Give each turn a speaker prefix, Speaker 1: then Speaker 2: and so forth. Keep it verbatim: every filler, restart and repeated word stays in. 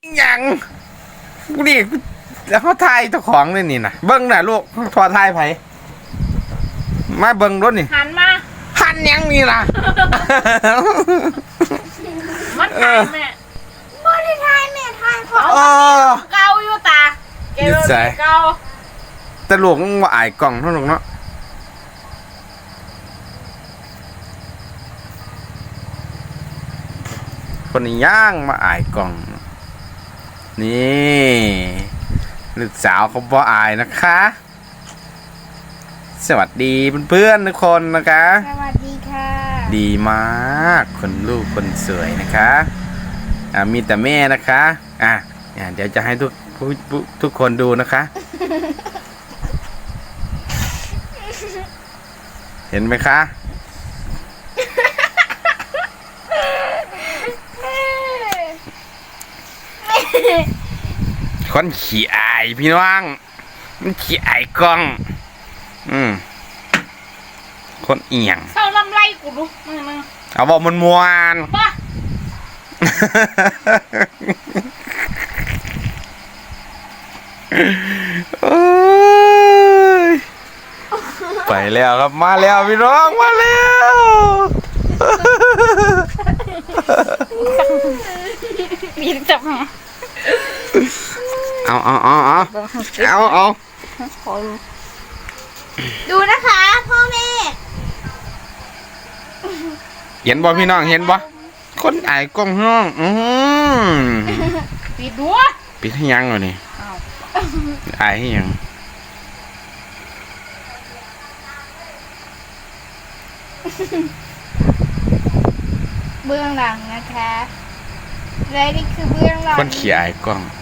Speaker 1: ยังนี่แล้วเขาทายเจ้าของเลยนี่นะเบิ้งน่ะลูกทอทายไผมาเบิ้งรถนี่
Speaker 2: หันมา
Speaker 1: หันยังนี่ล่ะ
Speaker 2: มันทายแม่บ่ได้ทายแม่ทายเขาเกาอยู่ตาเกาเกา
Speaker 1: แต่ลูกมันว่าอายกล่องเท่านั้นเนาะคนนี้ย่างมาอายกล่องนี่ลูกสาวเขาบ่อายนะคะสวัสดีเพื่อนๆทุกคนนะคะ
Speaker 2: สวัสดีค่ะ
Speaker 1: ดีมากคนลูกคนสวยนะคะอ่ามีแต่แม่นะคะอ่ะเดี๋ยวจะให้ทุกทุกคนดูนะคะเห็นไหมคะคนขี้อายพี่น้องมันขี้อายกล้องอืมคนเอียง
Speaker 2: เศร้าลำไรกูดูมึงมึง
Speaker 1: เอาบอกมันมวน
Speaker 2: ป่ะ
Speaker 1: ไปแล้วครับมาแล้วพี่น้องมาแล้ว
Speaker 2: มีจับ
Speaker 1: เอาเอาเอาเอาเอาเอา
Speaker 2: ดูนะคะพ่อแม่
Speaker 1: เห็นบ่พี่น้องเห็นบ่คนอายกล้องห้องอืม
Speaker 2: ปิดด้วย
Speaker 1: ปิดให้ยังวะนี่อายให้ยัง
Speaker 2: เบื้องหลังนะคะและนี่คือเบื้องหลัง
Speaker 1: คนขี้อายกล้อง